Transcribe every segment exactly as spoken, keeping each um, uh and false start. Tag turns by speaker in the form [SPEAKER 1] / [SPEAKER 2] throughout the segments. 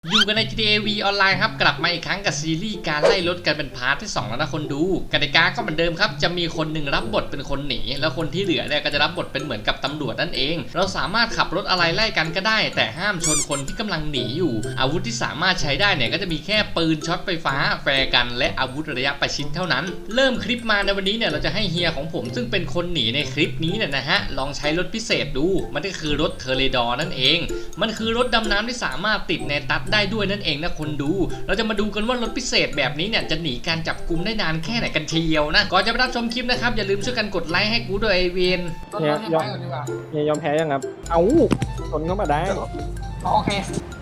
[SPEAKER 1] อยู่กันใน จี ที เอ V ออนไลน์ครับกลับมาอีกครั้งกับซีรีส์การไล่รถกันเป็นพาร์ทที่สองแล้วนะคนดูกติกาก็เหมือนเดิมครับจะมีคนหนึ่งรับบทเป็นคนหนีแล้วคนที่เหลือเนี่ยก็จะรับบทเป็นเหมือนกับตำรวจนั่นเองเราสามารถขับรถอะไรไล่กันก็ได้แต่ห้ามชนคนที่กำลังหนีอยู่อาวุธที่สามารถใช้ได้เนี่ยก็จะมีแค่ปืนช็อตไฟฟ้าแฟร์กันและอาวุธระยะประชิดเท่านั้นเริ่มคลิปมาในวันนี้เนี่ยเราจะให้เฮียของผมซึ่งเป็นคนหนีในคลิปนี้เนี่ยนะฮะลองใช้รถพิเศษดูมันก็คือรถเทอร์เรดอร์นั่นเองมันคือรถดำน้ำที่สามารถติดในตัดได้ด้วยนั่นเองนะคนดูเราจะมาดูกันว่ารถพิเศษแบบนี้เนี่ยจะหนีการจับกุมได้นานแค่ไหนกันเชียวนะก่อนจะไปรับชมคลิปนะครับอย่าลืมช่วยกันกดไลค์ให้กูด้วยไอเวน
[SPEAKER 2] เนี่ยยอมเนี่ยยอมแพ้ยังครับเอ้าชนเข้ามาได้
[SPEAKER 3] โอเค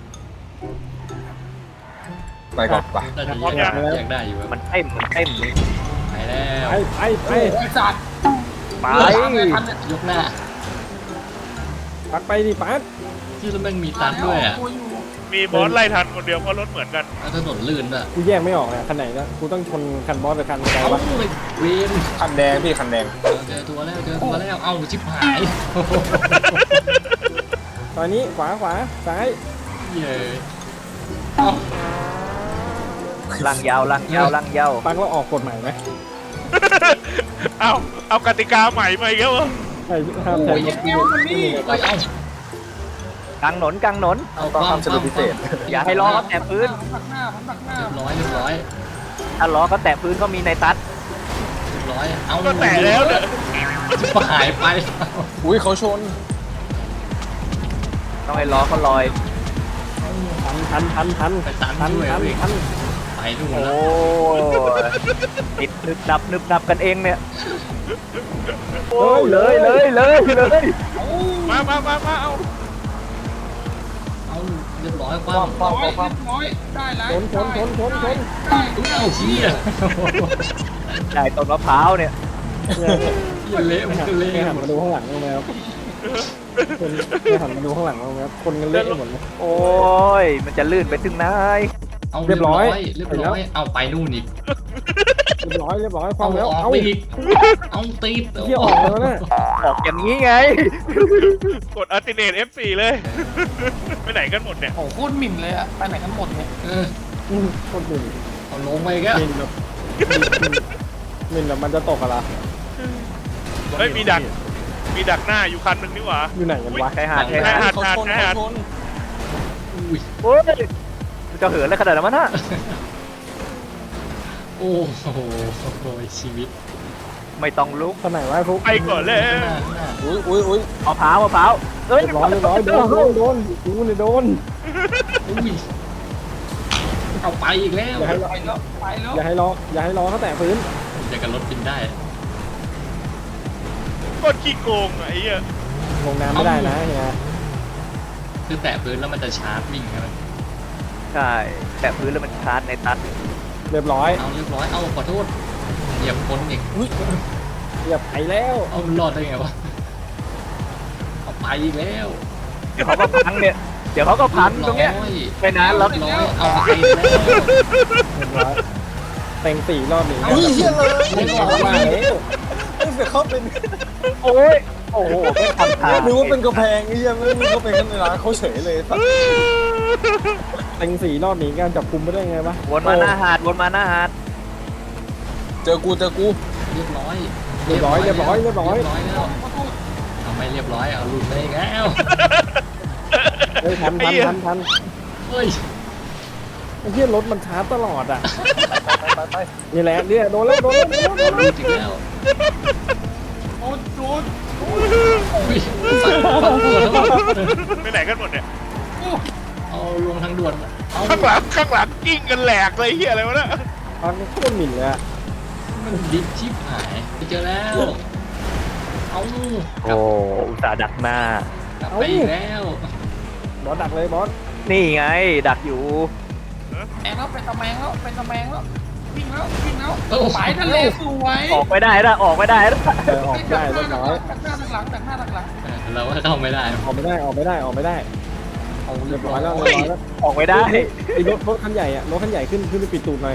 [SPEAKER 4] ไปก่อนไป
[SPEAKER 1] เราจะแยกได้แยกได้อยู่
[SPEAKER 5] มันเต็มมันเต็ม
[SPEAKER 1] ไปแล้ว
[SPEAKER 2] ไปไปไป
[SPEAKER 3] ไอ้สัตว์
[SPEAKER 5] ไป
[SPEAKER 1] ยกหน้า
[SPEAKER 2] ปัดไปดิปัด
[SPEAKER 1] ที่แล้วแม่งมีตัดด้วยอ่ะ
[SPEAKER 6] มีบอสไล่ทันคนเดียวเพราะรถเหมือนกัน
[SPEAKER 1] แล้วถนนลื่นอ่ะ
[SPEAKER 2] กูแยกไม่ออกเลยคันไหนนะกูต้องชนคันบอสหรือคันอะไร
[SPEAKER 1] เอ้าว
[SPEAKER 2] ะ
[SPEAKER 1] เวน
[SPEAKER 4] คันแดงพี่คันแดง
[SPEAKER 1] เจอตัวแล้วเจอตัวแล้วเอ้าชิบหาย
[SPEAKER 2] ตอนนี้ขวาขวาซ้าย
[SPEAKER 1] เย้เอ้า
[SPEAKER 5] ลังยาวลังยาวลังยาว
[SPEAKER 2] ปังเราออกกฎหมายไหม
[SPEAKER 6] เอาเอากติกาใหม่มาอีกแล้วเหรอ
[SPEAKER 2] ใช่ห้ามใช้รถที่ไม่มี
[SPEAKER 1] เอ้ยเอ้าก
[SPEAKER 5] ลางหนนกลางหนน
[SPEAKER 1] เอา
[SPEAKER 4] ต้อง
[SPEAKER 1] ความ
[SPEAKER 4] ทำสรุปพิเศษ
[SPEAKER 5] อย่าให้ล้อเขาแตะพื้น
[SPEAKER 3] ผมตักหน้าผมตักหน้า
[SPEAKER 1] เรียบร้อยเรียบร้อย
[SPEAKER 5] ถ้าล้อเขาแตะพื้นก็มีในตัด
[SPEAKER 1] เรียบร้อยเอา
[SPEAKER 6] ก็แตะแล้วเนี่ย
[SPEAKER 1] ชิบหายไป
[SPEAKER 4] อุ้ยเขาชน
[SPEAKER 5] ต้องให้ล้อเขาลอย
[SPEAKER 2] ทันทันทันทัน
[SPEAKER 1] ไปตัน
[SPEAKER 2] ทัน
[SPEAKER 1] ด้วย
[SPEAKER 2] ทัน
[SPEAKER 1] เว้ย
[SPEAKER 2] ทัน
[SPEAKER 1] ไปนู่น
[SPEAKER 5] โอ้
[SPEAKER 1] แล้ว
[SPEAKER 5] ติดนึบดับนึบดับกันเองเนี่ยโอ้เลยเลยเลยเลย
[SPEAKER 6] มามามามาเอา
[SPEAKER 1] เอาเรียบร้อยค
[SPEAKER 4] ความ
[SPEAKER 1] ว่ำ
[SPEAKER 4] ความความ
[SPEAKER 3] ร้อยได้แล้ว
[SPEAKER 2] ชนชนชนชนชน
[SPEAKER 3] ได้
[SPEAKER 1] เอ้าเชี่ย
[SPEAKER 5] ได้ต้นมะพร้าวเนี่ย
[SPEAKER 2] เนี่ย
[SPEAKER 1] เหี้ยเละมันก็เละ
[SPEAKER 2] ไม่หัน
[SPEAKER 1] หมด
[SPEAKER 2] มาดูข้างหลังบ้างไหมครับคนไม่หันมาดูข้างหลังบ้างไหมครับคนกันเละหมดเลย
[SPEAKER 5] โอ้ยมันจะลื่นไปถึงไหน
[SPEAKER 1] เอา
[SPEAKER 2] เรียบร้อย
[SPEAKER 1] เรียบร้อยเอาไปนู่นอีก
[SPEAKER 2] เรียบร้อยเรียบร้อยค
[SPEAKER 1] เอา
[SPEAKER 2] วามแล้ว
[SPEAKER 1] ออก
[SPEAKER 2] เอ้า
[SPEAKER 1] ไปอีกเอาตีด
[SPEAKER 2] เที่ยวออกแล้วนะ
[SPEAKER 5] ออกอย่างนี้ไง
[SPEAKER 6] กดอัลติเนต เอฟ โฟร์ เลย ไปไหนกันหมดเนี่ย
[SPEAKER 3] โอ้โหโคตรหมิ่นเลยอะไปไหนกันหมดเนี่ย
[SPEAKER 1] เออ
[SPEAKER 2] อืมคนหนึ่ง
[SPEAKER 1] เอาลงไปอีก็
[SPEAKER 2] มินแบบมินแบบมันจะตกอะไร
[SPEAKER 6] เฮ้ยมีดักมีดักหน้าอยู่คันหนึ่งนี่หว่า
[SPEAKER 2] อยู่ไหนกันวะ
[SPEAKER 5] ใครหาดใคร
[SPEAKER 6] ใคร
[SPEAKER 5] หา
[SPEAKER 6] หา
[SPEAKER 5] ด
[SPEAKER 6] ดหาดใครหาด
[SPEAKER 1] อุ้ย
[SPEAKER 5] โอ้ยมันจะเหินอะไรขนาดนั้นวะน่ะ
[SPEAKER 1] โอ้โหชีวิต
[SPEAKER 5] ไม่ต้องลุก
[SPEAKER 2] คนไหนวะฟุก
[SPEAKER 6] ไปก่อนเลย
[SPEAKER 1] หน้าหน้า
[SPEAKER 4] อุ้ยอุ้ยอุ้ย
[SPEAKER 5] มะพร้าวมะพร้าวเอ้ย
[SPEAKER 2] เรียบร้อยเรียบร้อยโดนโดนโดนกูเนี่ยโดน
[SPEAKER 1] อุ้ยเอาไปอีกแล้ว
[SPEAKER 2] อย่าให้
[SPEAKER 3] ไปแล้วไปแล้ว
[SPEAKER 2] อย่าให้ล้ออย่าให้ล้อเขาแตะพื้น
[SPEAKER 1] จะกันรถบินได้
[SPEAKER 6] กดขี้โกงอะไอ้เหี้ย
[SPEAKER 2] ลงน้ำไม่ได้นะเฮีย
[SPEAKER 1] คือแตะพื้นแล้วมันจะชาร์จวิ่งใช่ไหม
[SPEAKER 5] ใช่แตะพื้นแล้วมันชาร์จในตัด
[SPEAKER 2] เรียบร้อย
[SPEAKER 1] เอาเรียบร้อยเอาขอโทษเหยียบคนอีก
[SPEAKER 2] เรียบไปแล้ว
[SPEAKER 1] เอามันรอดได้ไงวะเอาไปอีกแล้ว
[SPEAKER 5] เดี๋ยวเขาก็พังเนี่ย เดี๋ยวเขาก็พังตรงเนี้ย ไม่นานหรอก
[SPEAKER 1] ร้อยเอาไปอีกแล้ว
[SPEAKER 2] เรียบร้อยเต็งสี่รอบนี้
[SPEAKER 4] อุ้ยเฮียเลย
[SPEAKER 2] ไม่ออกมาแล้ว
[SPEAKER 4] ไม่เสียเขาเป็น
[SPEAKER 5] โอ้ย โอ้โหไม่ทันทาง
[SPEAKER 4] นึกว่าเป็นกระแพงเฮียไม่นึกว่าเป็นข้างในร้านเขาเฉยเลยสัตว์
[SPEAKER 2] เต็งสี่รอบนี้การจับคุมไม่ได้ไงวะ
[SPEAKER 5] วนมาหน้าหาดวนมาหน้าหาด
[SPEAKER 4] เจอกูเจอกู
[SPEAKER 1] เรียบร้อย
[SPEAKER 2] เรียบร้อยเรียบร้อยเรียบร้อย
[SPEAKER 1] เรียบร้อยแล้วเอาไม่เรียบร้อยเอาหลุดไปอีกแล้ว
[SPEAKER 2] เฮ้ยทันทันทันทัน
[SPEAKER 1] เฮ้ย
[SPEAKER 2] ไอ้เหี้ยรถมันช้าตลอดอ่ะ
[SPEAKER 4] ไปไปไป
[SPEAKER 2] นี่แหละเนี่ยโดนแล้วโดนแล้วโดนแล้วโดน
[SPEAKER 1] หลุ
[SPEAKER 2] แล้ว
[SPEAKER 1] ดอีกแล้ว
[SPEAKER 3] โดนโดน
[SPEAKER 1] อุ้ยสั่นปั่นปวดแล้ว
[SPEAKER 6] ไปไหนกันหมดเนี่ย
[SPEAKER 1] เอาลงทางด่วนเอา
[SPEAKER 6] ข้างหลังข้างหลังกิ้งกันแหลกเลยเหี้ยอะไรวะเนี่ย
[SPEAKER 2] ตอนนี้โคตรหมิ่นเลยอะ
[SPEAKER 1] มันดิฟชิบหายไปเจอแล้วเอากลั
[SPEAKER 5] โอ้
[SPEAKER 1] บ
[SPEAKER 5] อุตส่าห์ดักหน้า
[SPEAKER 1] กลับไปอีกแล้ว
[SPEAKER 2] บอสดักเลยบอส
[SPEAKER 5] นี่ไง ดักอยู่
[SPEAKER 3] แมงแล้วเป็นตะแมงแล้วเป็นตะแมงแล้ววิ่งแล้ววิ่งแล้ว
[SPEAKER 1] โอ้
[SPEAKER 3] ไปทะเลสวย
[SPEAKER 5] ออกไม่ได้นะออกไม่ได้นะ
[SPEAKER 2] เออออกได้เรียบร้อย
[SPEAKER 3] ดักหน้าดักหลังดักหน้าดักหลัง
[SPEAKER 1] เราก็เข้าไม่ได้
[SPEAKER 2] ออกไม่ได้ออกไม่ได้ออกไม่ได้
[SPEAKER 1] เอา
[SPEAKER 2] เรี
[SPEAKER 1] เรี
[SPEAKER 2] ย
[SPEAKER 1] ย
[SPEAKER 2] บบ ร้
[SPEAKER 1] ร้
[SPEAKER 2] อ
[SPEAKER 1] อย ย
[SPEAKER 2] แล้
[SPEAKER 1] แล้ว ว
[SPEAKER 2] เรียบร้อยแล้ว
[SPEAKER 5] ออกไม่ได้
[SPEAKER 2] ไอ้รถรถคันใหญ่อะรถคันใหญ่ขึ้นขึ้นไปปิดตูดหน่อย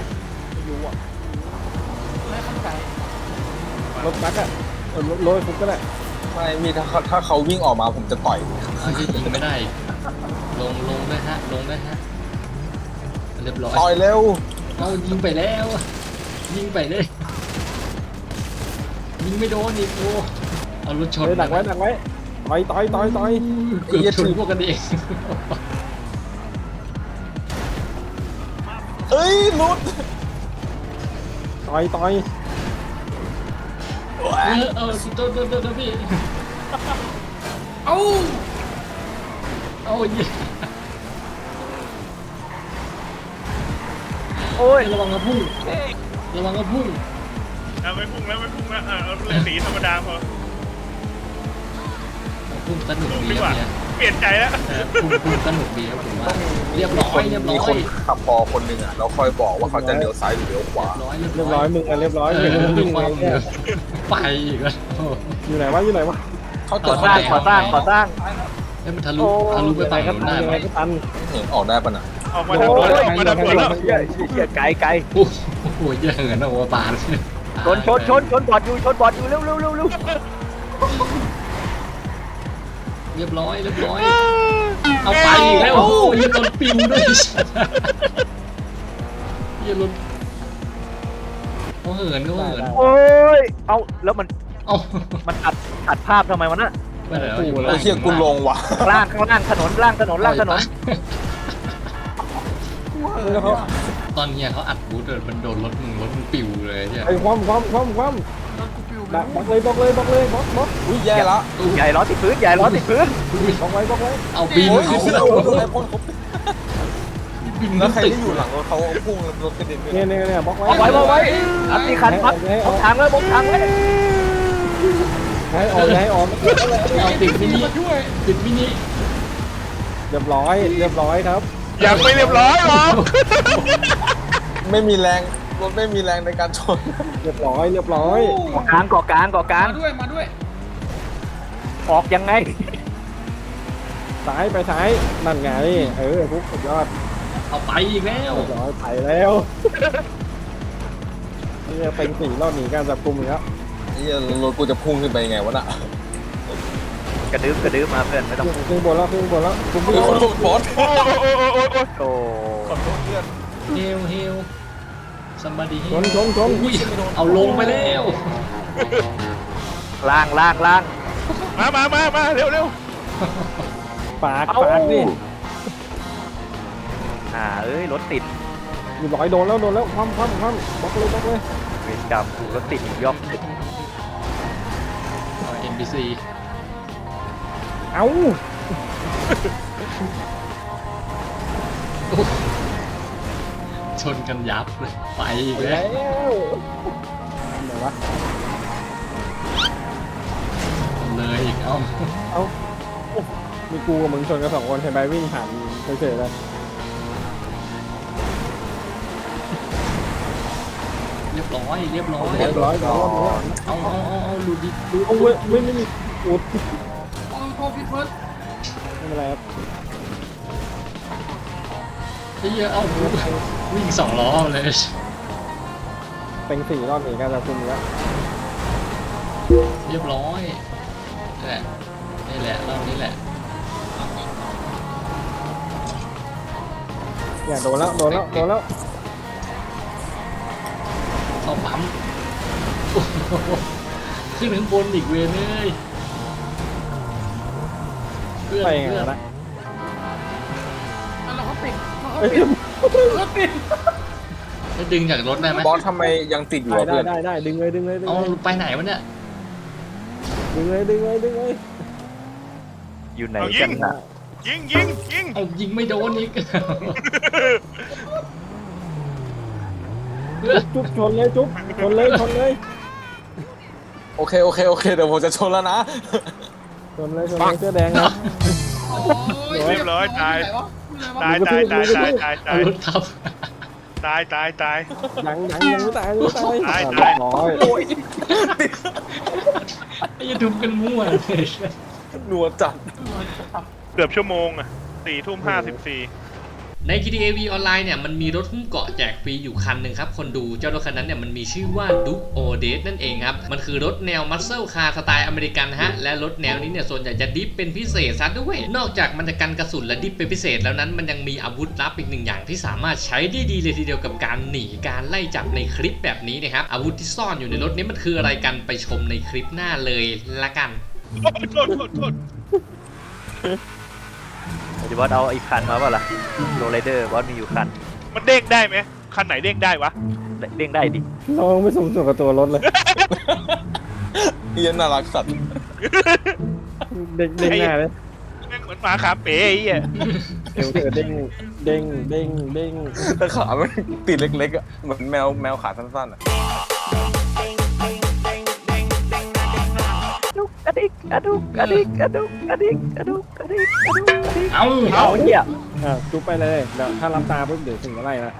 [SPEAKER 3] ไม่เข้าใจ
[SPEAKER 2] รถบัสอะเออรถรถฟุกก็ได้
[SPEAKER 4] ไม่มีถ้าเขาถ้าเขาวิ่งออกมาผมจะต่อย
[SPEAKER 1] เอาที่ยิงไม่ได้ ลงลงด้วยฮะลงด้วยฮะเรียบร้อย
[SPEAKER 4] ต่อยเร็ว
[SPEAKER 1] เอายิงไปแล้วยิงไปเลยยิงไม่โดนอีกโอ้เอารถชน
[SPEAKER 2] เฮ้ยดักไว้ดักไว้ต่อยต่อยต่อยต่อย
[SPEAKER 1] เกือบชนพวกกันเอง
[SPEAKER 4] เอ้ยหลุด
[SPEAKER 2] ต่อยต่อย
[SPEAKER 1] เออเออโดนโดนโดนโดนพี่
[SPEAKER 3] เอ้า
[SPEAKER 1] เอายิง
[SPEAKER 5] โอ้ย
[SPEAKER 1] ระวังกระพุ่งระวังกระพุ่ง
[SPEAKER 6] เอาไม่พุ่งแล้วไม่พุ่งแล้วเอาเล่นสีธรรมดาพอ
[SPEAKER 1] พุ่งสนุก
[SPEAKER 6] พุ่ง
[SPEAKER 1] ดี
[SPEAKER 6] ดีก
[SPEAKER 1] ครั
[SPEAKER 6] ว่า
[SPEAKER 1] บเนี่ย
[SPEAKER 6] เปลี่ยนใจแล้ว
[SPEAKER 1] พุ่งพุ่งสนุกดีครับผมว่าเรียบร้อยเรียบร้
[SPEAKER 4] มี
[SPEAKER 1] อ
[SPEAKER 4] ค
[SPEAKER 1] ย
[SPEAKER 4] นขับพอคนหนึ่งอ่ะเราคอยบอกว่าเขาจะเลี้ยวซ้ายหรือเลี้ยวขวา
[SPEAKER 1] ร้อย
[SPEAKER 2] เรียบร้อยมึงอะเรียบร้อย
[SPEAKER 1] เอ
[SPEAKER 2] เห็น
[SPEAKER 1] อ
[SPEAKER 2] มึง
[SPEAKER 1] ด้ว
[SPEAKER 2] วิ่
[SPEAKER 1] ย
[SPEAKER 2] ง
[SPEAKER 1] ความ
[SPEAKER 2] เนี่ย
[SPEAKER 1] ไปอีกแล้ว
[SPEAKER 2] อยู่ไหนวะอยู่ไหนวะ
[SPEAKER 4] เขา
[SPEAKER 5] ก่
[SPEAKER 4] จะ
[SPEAKER 5] อสร้างก่อสร้างก่อสร้าง
[SPEAKER 1] เฮ้ยมันทะลุทะลุไปฝั่ง
[SPEAKER 2] ก็
[SPEAKER 1] นู้น
[SPEAKER 2] ตัน
[SPEAKER 1] ได้
[SPEAKER 2] ยัง
[SPEAKER 1] ไหม
[SPEAKER 2] ไงก็ตัน
[SPEAKER 4] เห็นออกได้ปะน่ะ
[SPEAKER 6] ออกมาดับเบิลออกมาดับเบิลแล้ว
[SPEAKER 5] เหี้ยเหี้ยไกลไกล
[SPEAKER 1] โอ้โหเยอะเหมือนนะโอปาน
[SPEAKER 5] ชนชนชนชนบอดอยู่ชนบอดอยู่เร็วเร็วเร็วเร็ว
[SPEAKER 1] เรียบร้อยเรียบร้อยเอาไปอีกแล้วโอ้โหยันรถปิวด้วยยันรถเขาเหินเขาเหิน
[SPEAKER 5] โอ้ยเอาแล้วมัน
[SPEAKER 1] เอา
[SPEAKER 5] มันอัดอัดภาพทำไมวะน่ะ
[SPEAKER 1] ไปไหนวะ
[SPEAKER 4] ไอ้เหี้ยกูลงว่ะ
[SPEAKER 5] ข้างล่างข้างล่างถนนล่างถนนล่างถนน
[SPEAKER 2] แล้วเขา
[SPEAKER 1] ตอนเนี้ยเขาอัดบูธเลยมันโดนรถมึงรถมึงปิวเลยใช่
[SPEAKER 2] ไอ้ความความความความ
[SPEAKER 3] รถกูปิวไป
[SPEAKER 2] ดักบล็อกเลยบล็อกเลยบล็อกเลยบล็อกบล็อก
[SPEAKER 4] อุ้ยแย่ละ
[SPEAKER 5] ใหญ่ล้อติดพื้นใหญ่ล้อติดพื้น
[SPEAKER 2] บล็อกไว้บล็อกไว้
[SPEAKER 1] เอาบิน
[SPEAKER 4] โอ้ย
[SPEAKER 1] ขึ้น
[SPEAKER 4] เอา
[SPEAKER 1] แล้ว
[SPEAKER 4] โดนไอ้พ่นเขา
[SPEAKER 1] บิน
[SPEAKER 4] แล้ว
[SPEAKER 1] ขึ้น
[SPEAKER 4] ใคร
[SPEAKER 1] ตึก
[SPEAKER 4] ที่อยู่หลังรถเขาเอาพุ่งรถกระเด็นไป
[SPEAKER 2] เนี่ยเนี่ยเนี่ยบล็อกไว้
[SPEAKER 5] เอาไว้เอาไว้อัดตีคันพัดบกทางเลยบกทางเลย
[SPEAKER 2] ให้ออกให้ออก
[SPEAKER 1] เอาติดมินิติดมินิ
[SPEAKER 2] เรียบร้อยเรียบร้อยครับ
[SPEAKER 6] ยังไม่เรียบร้อยหรอก
[SPEAKER 4] ไม่มีแรงรถไม่มีแรงในการชน
[SPEAKER 2] เรียบร้อยเรียบร้อย
[SPEAKER 5] เกาะกลางเกาะกลางเกาะกลาง
[SPEAKER 3] มาด้วยมาด้วย
[SPEAKER 5] ออกยังไง
[SPEAKER 2] ซ้ายไปซ้ายนั่นไงเออปุ๊บสุดยอด
[SPEAKER 1] เอาไปอีกแล้ว
[SPEAKER 2] เรียบร้อยไปแล้วนี่เป็นสี่รอบหนีการจับกลุ่มอีกแล้ว
[SPEAKER 4] ไอ้เหี้ยรถกูจะพุ่งขึ้นไปยังไงวะน่ะ
[SPEAKER 5] กระดึ๊บกระดึ๊บมาเพื่อนไม่ต้อง
[SPEAKER 2] ขึ้นบนแล้วขึ้นบนแล้วคุณผู้
[SPEAKER 4] มี
[SPEAKER 2] ช
[SPEAKER 4] คน
[SPEAKER 2] ม
[SPEAKER 4] โดนบอส
[SPEAKER 6] โอ้โอ้โอ้โอ้โอ้
[SPEAKER 5] โอ้
[SPEAKER 4] ขอโทษเพื่อน
[SPEAKER 1] เฮลเฮลซัมบาดี
[SPEAKER 2] ชนชนชน
[SPEAKER 1] อุ้ยเอาลงไปแล้ว
[SPEAKER 5] ล่างล่างล่าง
[SPEAKER 6] มามามามาเร็วเร็ว
[SPEAKER 2] ปากปากนี่
[SPEAKER 5] อ่าเอ้ยรถติด
[SPEAKER 2] อยู่ร้อยโดนแล้วโดนแล้วคว่ำคว่ำคว่ำบล็อกเลยบล็อกเลย
[SPEAKER 5] เวรกรรมกูรถติดย่อมติด
[SPEAKER 1] เอ็นบีซี
[SPEAKER 2] เอ้า
[SPEAKER 1] ชนกันยับเลยไปอีก
[SPEAKER 2] ไป
[SPEAKER 1] แล้
[SPEAKER 2] แล้ว วไหนวะ
[SPEAKER 1] เลยอีกเอ้า
[SPEAKER 2] เอ้ามีกูกับมึงชนกันสองคนเห็นไหมวิ่งผ่านเฉยๆเลย
[SPEAKER 1] เรียบร้อยเรียบร้อย
[SPEAKER 2] เรียบร้อยแล้ว
[SPEAKER 1] เอาเอาเอาเอาดูดิดู
[SPEAKER 2] โอ้ยไม่ไม่มีอุด
[SPEAKER 3] โอ้โหพี่เฟิร์ส
[SPEAKER 2] ไม่เป็นไรครับ
[SPEAKER 1] ไอ้เหี้ยเอาวิ่งสองล้อเลย
[SPEAKER 2] เป็นสี่รอบหนีการจับกลุ่มอีกแล้ว
[SPEAKER 1] เรียบร้อยนี่แหละนี่แหละรอบนี้แหละ
[SPEAKER 2] อย่าโดนแล้วโดนแล้วโดนแล้ว
[SPEAKER 1] เข้าปั๊มโอ้โหขึ้นถึงบนอีกเวรเลยเพื่อน
[SPEAKER 2] ไปไง
[SPEAKER 1] เพื่อน
[SPEAKER 2] นะ
[SPEAKER 3] แล้วเขาติดเขา
[SPEAKER 2] เอ้ย
[SPEAKER 3] ติดเขาติด
[SPEAKER 1] จะดึงจากรถได้ไหม
[SPEAKER 4] บอสทำไมยังติดอยู่
[SPEAKER 2] ได้
[SPEAKER 4] อะ
[SPEAKER 2] ได้
[SPEAKER 4] เพื่อน
[SPEAKER 2] ได้ได้ดึงเลยดึงเลยดึง
[SPEAKER 1] เอา
[SPEAKER 2] เลย
[SPEAKER 1] ไปไหนวะเนี่ย
[SPEAKER 2] ดึงเลยดึงเลยดึงเลย
[SPEAKER 5] อยู่ไหนกันนะ
[SPEAKER 6] ยิงยิงยิง
[SPEAKER 1] เอายิงไม่โดนอีก
[SPEAKER 2] จุ๊บชนเลยจุ๊บชนเลยชนเลย
[SPEAKER 4] โอเคโอเคโอเคเดี๋ยวผมจะชนแล้วนะ
[SPEAKER 2] ชนเลยชนเลยเสื้อแดงนะ
[SPEAKER 3] โอ้ย
[SPEAKER 6] เรียบร้อยตาย
[SPEAKER 3] ไหนวะ
[SPEAKER 6] ตายตายตายตายตายตา
[SPEAKER 1] เอา
[SPEAKER 6] ย
[SPEAKER 1] รถทับ
[SPEAKER 6] ตายตายตาย
[SPEAKER 2] ยังยังยังไม่ตายยังไม่ตาย
[SPEAKER 6] ตาย
[SPEAKER 2] อ่ะ
[SPEAKER 6] ตาย
[SPEAKER 2] ร้อย
[SPEAKER 1] ไอ้ยาทุบกันมั่วเลย
[SPEAKER 4] หนัวจัด
[SPEAKER 6] เกือบชั่วโมงอ่ะสี่ทุ่มห้าสิบสี่
[SPEAKER 1] ใน จี ที เอ วี ออนไลน์เนี่ยมันมีรถหุ้มเกาะแจกฟรีอยู่คันหนึ่งครับคนดูเจ้ารถคันนั้นเนี่ยมันมีชื่อว่า Duke Odes นั่นเองครับมันคือรถแนวมัสเซิลคาร์สไตล์อเมริกันฮะและรถแนวนี้เนี่ยส่วนใหญ่จะดิฟเป็นพิเศษซะด้วยนอกจากมันจะกันกระสุนและดิฟเป็นพิเศษแล้วนั้นมันยังมีอาวุธลับอีกหนึ่งอย่างที่สามารถใช้ได้ดีเลยทีเดียวกับการหนีการไล่จับในคลิปแบบนี้นะครับอาวุธที่ซ่อนอยู่ในรถนี้มันคืออะไรกันไปชมในคลิปหน้าเลยละกัน
[SPEAKER 6] โทษโทษโทษ
[SPEAKER 5] เดี๋ยวบอสเอาอีกคันมาเปล่าล่ะโรลไรเดอร์บอสมีอยู่คัน
[SPEAKER 6] มันเด้งได้ไหมคันไหนเด้งได้วะ
[SPEAKER 5] เด้งได้ดิ
[SPEAKER 2] เราไม่สมส่วนกับตัวรถเลย
[SPEAKER 4] เฮียน่ารักสัตว์
[SPEAKER 2] เด้งเด้งหน้าเลย
[SPEAKER 6] แม่งเหมือนหมาขาเป๋ไอ้เหี้ย
[SPEAKER 2] เดี๋ยวเธอเด้งเด้งเด้งเด้ง
[SPEAKER 4] แต่ขามันติดเล็กๆอ่ะเหมือนแมวแมวขาสั้นๆอ่ะ
[SPEAKER 5] กระดิกกระดุกกระดิกกระดุกกระดิกกระดุกกระดิกกระดุกกระดิก
[SPEAKER 1] เอ้า
[SPEAKER 5] เอาเหี้ย
[SPEAKER 2] อ่ะจุ๊บไปเลยเดี๋ยวถ้ารับตาปุ๊บเดี๋ยวถึงอะไรละ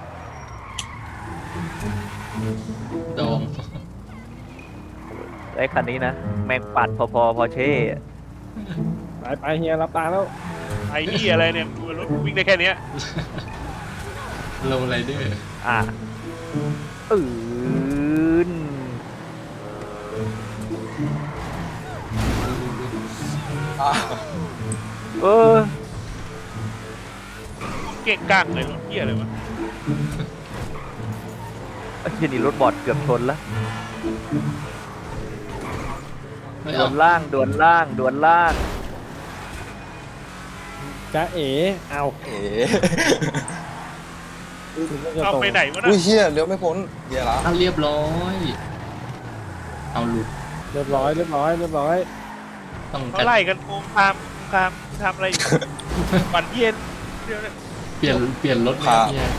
[SPEAKER 1] โดม
[SPEAKER 5] ไอ้คันนี้นะแม่งปัดพอพอพอเช่
[SPEAKER 2] ไปไปเฮียรับตาแล้ว
[SPEAKER 6] ไอ้เหี้ยอะไรเนี่ยดูรถวิ่งได้แค่เนี้ย
[SPEAKER 1] โลไรเดอร์
[SPEAKER 5] อ่ะอืนเออ
[SPEAKER 6] เก่งกล้างเลยรถเหี้ยอะไรวะ
[SPEAKER 5] ไอ้เหี้ยนี่รถบอดเกือบชนแล้ว
[SPEAKER 1] ไม่
[SPEAKER 5] ด
[SPEAKER 1] เอา
[SPEAKER 5] วนล่างดวนล่างดวนล่าง
[SPEAKER 2] จ้าเอ๋เอา
[SPEAKER 4] เอ๋
[SPEAKER 2] ถึงจะ
[SPEAKER 6] เอา
[SPEAKER 2] ตรง
[SPEAKER 6] ไปไหนวะ
[SPEAKER 4] อุ้
[SPEAKER 6] นะ
[SPEAKER 4] ยเฮียเลี้ยวไม่พ้นเฮียละ
[SPEAKER 1] เอาเรียบร้อย เอาหลุด
[SPEAKER 2] เรียบร้อยเรียบร้อยเรียบร้อย
[SPEAKER 1] ต้อง
[SPEAKER 6] เขาไล่กันโกงคามคามทำอะไรอยู่วันเย็นเดี๋ยวนะ
[SPEAKER 1] เปลี่ยนเปลี่ยนรถเนี่ยเฮีย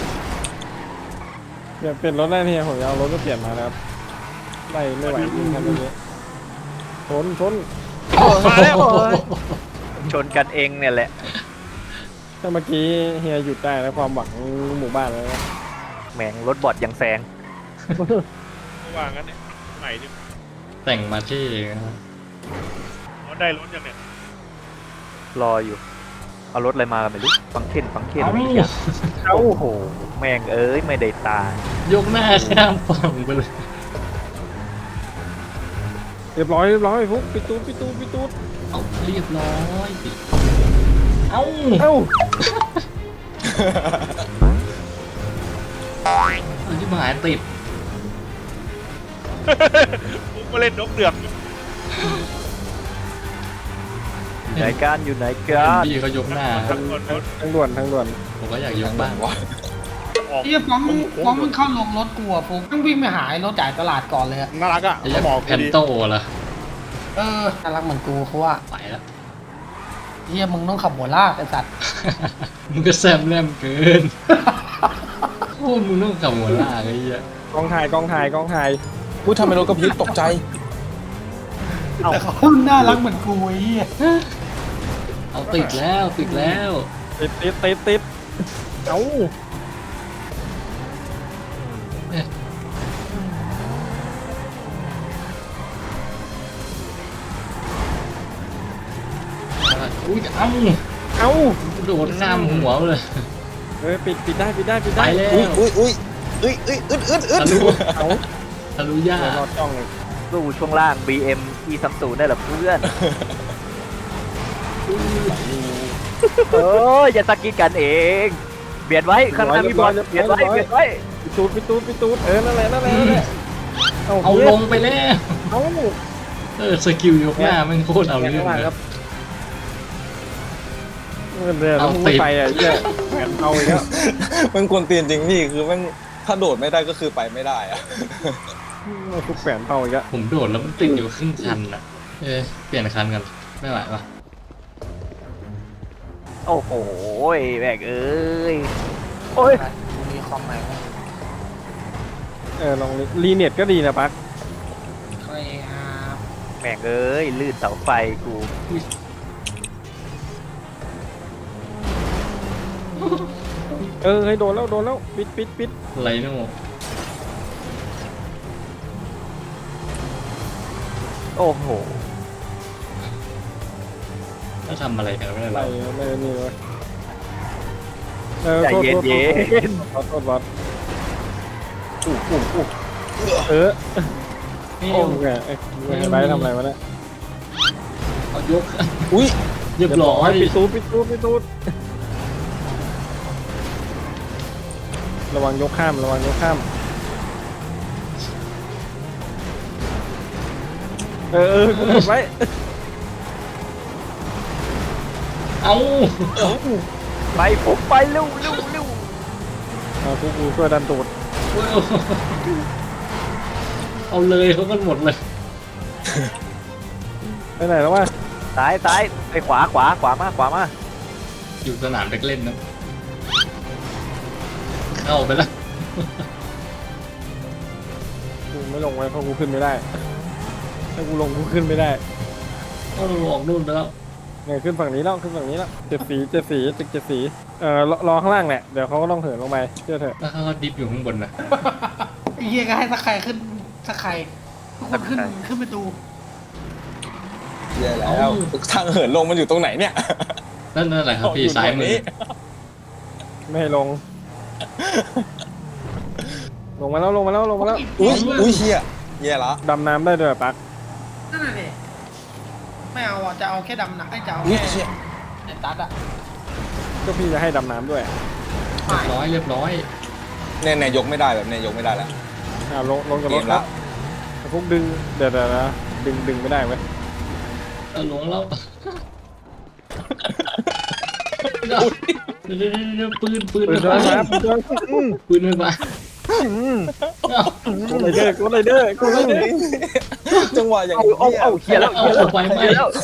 [SPEAKER 2] เปลี่ยนเป็นรถได้เฮียผมจะเอารถมาเปลี่ยนมาแล้วไม่ไม่ไหวจริงครับตรงนี้ชนชน
[SPEAKER 6] มาแล้ว
[SPEAKER 5] ชนกันเองเนี่ยแหละ
[SPEAKER 2] ถ้าเมื่อกี้เฮียหยุดได้แล้วความหวังหมู่บ้านแล้วนะ
[SPEAKER 5] แหม่งรถบอดยังแซง
[SPEAKER 6] ว่างั้นเนี่ยใหม่ดิ
[SPEAKER 1] แต่งมาเท่นะ
[SPEAKER 6] มันได้รถยังเนี่ย
[SPEAKER 5] รออยู่ เอารถอะไรมากันไม่รู้ฟังเค้นฟังเค้น
[SPEAKER 1] เอา
[SPEAKER 5] อะไรอย่างโอ้โหแม่งเอ้ยไม่ได้ตาย
[SPEAKER 1] ยกหน้าข้ามฝั่งไปเลย
[SPEAKER 2] เรียบร้อยเรียบร้อยฟุ๊กปิดตูดปิดตูดปิดตูด
[SPEAKER 1] เอาเรียบร้อยเอา
[SPEAKER 2] เอ้า
[SPEAKER 1] เอาที่หมายติด
[SPEAKER 6] กูก็เล่นนกเดือกอยู่
[SPEAKER 5] อยู่ไหนกันอยู่ไหนกัน
[SPEAKER 1] พี่เขายกหน้า
[SPEAKER 6] ทั้งคนรถ
[SPEAKER 2] ทางด่วนทางด่วน
[SPEAKER 1] ผมก็อยากยกบ้าง
[SPEAKER 4] วะ
[SPEAKER 6] ออก
[SPEAKER 3] เฮียฟ้องฟ้องมึงเข้าลงรถกูอะฟุกต้องวิ่งไปหายรถจ่ายตลาดก่อนเลยอะ
[SPEAKER 4] น่ารักอ่ะ
[SPEAKER 1] ไอ้ยักษ์แพนโตเหรอ
[SPEAKER 3] เออน่ารักเหมือนกูเขาว่า
[SPEAKER 1] ไปแล้ว
[SPEAKER 3] เฮียมึงต้องขับหัวลากไอ้สัตว์
[SPEAKER 1] มึงก็แซมแรมเกินโอ้มึงต้องขับหัวลากไอ้เหี้ย
[SPEAKER 2] กองถ่ายกองถ่ายกองถ่าย
[SPEAKER 4] อุ้ยทำไมรถกระพริบตกใจ
[SPEAKER 3] แต่เขาน่ารักเหมือนกูไอ้เฮีย
[SPEAKER 1] เอาติดแล้วติดแล้ว
[SPEAKER 2] ติดติดติดติดเอ้า
[SPEAKER 1] อุ้ยเอ้า
[SPEAKER 2] เอ้า
[SPEAKER 1] โดดข้ามหัวเลย
[SPEAKER 2] เออปิดปิดได้ปิดได้ปิด
[SPEAKER 1] ไป
[SPEAKER 2] ได้
[SPEAKER 1] แล้ว
[SPEAKER 4] อุ้ยอุ้ยอุ้ยอุ้ยอุ้ยอึดอึดอึด
[SPEAKER 1] ทะลุ
[SPEAKER 2] เอ้า
[SPEAKER 1] ทะลุย่า
[SPEAKER 2] เดี๋ยวรอจ้องเลย
[SPEAKER 5] สู้ช่วงล่าง บี เอ็ม อี สามสิบได้เหรอเพื่อนเอออย่าสกิดกันเองเบียดไว้ข้างหน้ามีบอลเบียดไว้เบียดไว้
[SPEAKER 2] ปิดตูดปิดตูดปิดตูดเออนั่นแหละนั่นแหละนั่นแหละ
[SPEAKER 1] เอาลงไปแล้ว
[SPEAKER 2] เอ้า
[SPEAKER 1] เออสกิลยกหน้ามันโคตรเอาเรื่อง
[SPEAKER 2] ข้างหลัง
[SPEAKER 1] เลย
[SPEAKER 2] ครับเดี๋ยว
[SPEAKER 1] เอา
[SPEAKER 2] มึง
[SPEAKER 1] ติ
[SPEAKER 2] ไม่
[SPEAKER 1] ด
[SPEAKER 2] ไปอ่ะเหี้ยแหวนเอาอีกแล้ว
[SPEAKER 4] มันกวนตีนจริงพี่คือมันถ้าโดดไม่ได้ก็คือไปไม่ได้อ่ะ
[SPEAKER 2] มันทุกแหวนเอาอีกแล้ว
[SPEAKER 1] ผมโดดแล้วมันติดอยู่ครึ่งคันอ่ะ เอ๊ะเปลี่ยนคันกันไม่ไหวปะ
[SPEAKER 5] โอ้โหแบกเอ้ยโอ้ย
[SPEAKER 3] มีคอมใหม่ไหม
[SPEAKER 2] เออลองรีเน็ตก็ดีนะปัก
[SPEAKER 3] ใครครับ
[SPEAKER 5] แบกเอ้ยลื่นเสาไฟกู
[SPEAKER 2] เออให้โดนแล้วโดนแล้วปิดปิดปิด
[SPEAKER 1] ไรโน่
[SPEAKER 5] โอ้โห
[SPEAKER 1] ถ้าทำอะไรกันไม่ได้
[SPEAKER 2] อะไร
[SPEAKER 1] เรา
[SPEAKER 2] ไม่ได้นี่เลยเออ
[SPEAKER 5] ใจ
[SPEAKER 2] โทษ
[SPEAKER 5] เย็น
[SPEAKER 2] โทษ
[SPEAKER 5] เย็น
[SPEAKER 2] โทษโทษบอสอู้อู้อู้เออ
[SPEAKER 1] นี่
[SPEAKER 2] โอ้ยไอ้ไอ้ไบร์ททำอะไรวะเนี่ย
[SPEAKER 1] เอายก
[SPEAKER 4] อุ้ย
[SPEAKER 1] เรียบร้อย
[SPEAKER 2] ปิดตูดปิดตูดปิดตูดระวังยกข้ามระวังยกข้ามเออเออกูกดไว้
[SPEAKER 1] เอา
[SPEAKER 5] ไปผมไปเร็วเร็วเร็ว
[SPEAKER 2] เอากูกูช่วยดันตูด
[SPEAKER 1] เอาเลยเขากันหมดเลย
[SPEAKER 2] ไปไหนแล้ววะ
[SPEAKER 5] ซ้ายซ้ายไปขวาขวาขวามาขวามา
[SPEAKER 1] อยู่สนามเด็กเล่นนะเข้าไปแล้ว
[SPEAKER 2] กูไม่ลงไว้เพราะกูขึ้นไม่ได้ถ้ากูลงกูขึ้นไม่ได้
[SPEAKER 1] เอาออกนู่นไปแล้ว
[SPEAKER 2] เนี่ยขึ้นฝั่งนี้แล้วขึ้นฝั่งนี้แล้วเจ็ดสีเจ็ดสีตึกเจ็ดสีเออรอรอข้างล่างแหละเดี๋ยวเขาก็ต้องเหินลงไปเชื่อเถอะ
[SPEAKER 1] แล้วเขาก็ดิฟอยู่ข้างบนนะ
[SPEAKER 3] ไอ้เหี้ยก็ให้ตะไคร่ขึ้นตะไคร่ทุกคนขึ้นขึ้นไปดู
[SPEAKER 4] แย่แล้วทางเหินลงมันอยู่ตรงไหนเนี่ย
[SPEAKER 1] นั่นนั่นแหละครับพี่ซ้ายมือ
[SPEAKER 2] ไม่ให้ลง ลงมาแล้วลงมาแล้วลงมาแล้ว
[SPEAKER 4] อุ้ยอุ้ยเฮียแย่ละ
[SPEAKER 2] ดำน้ำได้ด้วยปัก
[SPEAKER 3] นั่นน่ะดิไม่เอาอ่ะจะเอาแค่ดำหนักไอ้จะเอา
[SPEAKER 4] อุ้ย
[SPEAKER 3] แค่
[SPEAKER 4] เฮีย
[SPEAKER 3] ไอ้ตัดอ่ะ
[SPEAKER 2] ก็พี่จะให้ดำน้ำด้วย
[SPEAKER 1] เรียบร้อยเรียบร้อย
[SPEAKER 4] เนี่ยเนี่ยยกไม่ได้แบบเนี่ยยกไม่ได้แล้ว
[SPEAKER 2] อ่าลงลงจาก
[SPEAKER 4] เก
[SPEAKER 2] ร
[SPEAKER 4] ม
[SPEAKER 2] ถครั
[SPEAKER 4] ละ
[SPEAKER 2] บแต่พวกดึงเดี๋ยวเดี๋ยวนะดึงดึงไม่ได้เว้ย
[SPEAKER 1] เอาลงแล้วเดี๋ยวเดี๋ยวเดี๋ยวปืนปืน
[SPEAKER 2] ปืน
[SPEAKER 1] ไฟ
[SPEAKER 2] เดิน
[SPEAKER 1] ฟ้า
[SPEAKER 2] มาปืนเดินอืม
[SPEAKER 1] ปืนไฟฟ้า
[SPEAKER 2] กูไรเดอร์กูไรเดอร์กูไรเดอร์
[SPEAKER 4] จังหวะอย่าง
[SPEAKER 5] เอาเอาเอาเขียนแล้ว
[SPEAKER 1] เอา
[SPEAKER 5] เขียนแล้ว
[SPEAKER 1] ไฟไหม้
[SPEAKER 5] เขียนแล้ว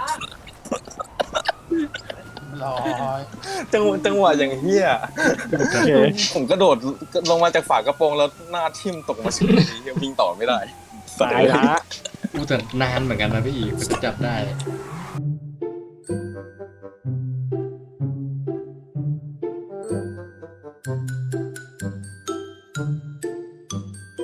[SPEAKER 3] ร้อย
[SPEAKER 4] จังหวะจังหวะอย่างเฮีย
[SPEAKER 2] โอเค
[SPEAKER 4] ผมกระโดดลงมาจากฝากระโปรงแล้วหน้าทิ่มตกมาสุดเฮียวิ่งต่อไม่ได้
[SPEAKER 2] ตายละ
[SPEAKER 1] อู้แต่นานเหมือนกันนะพี่กว่าจะจับได้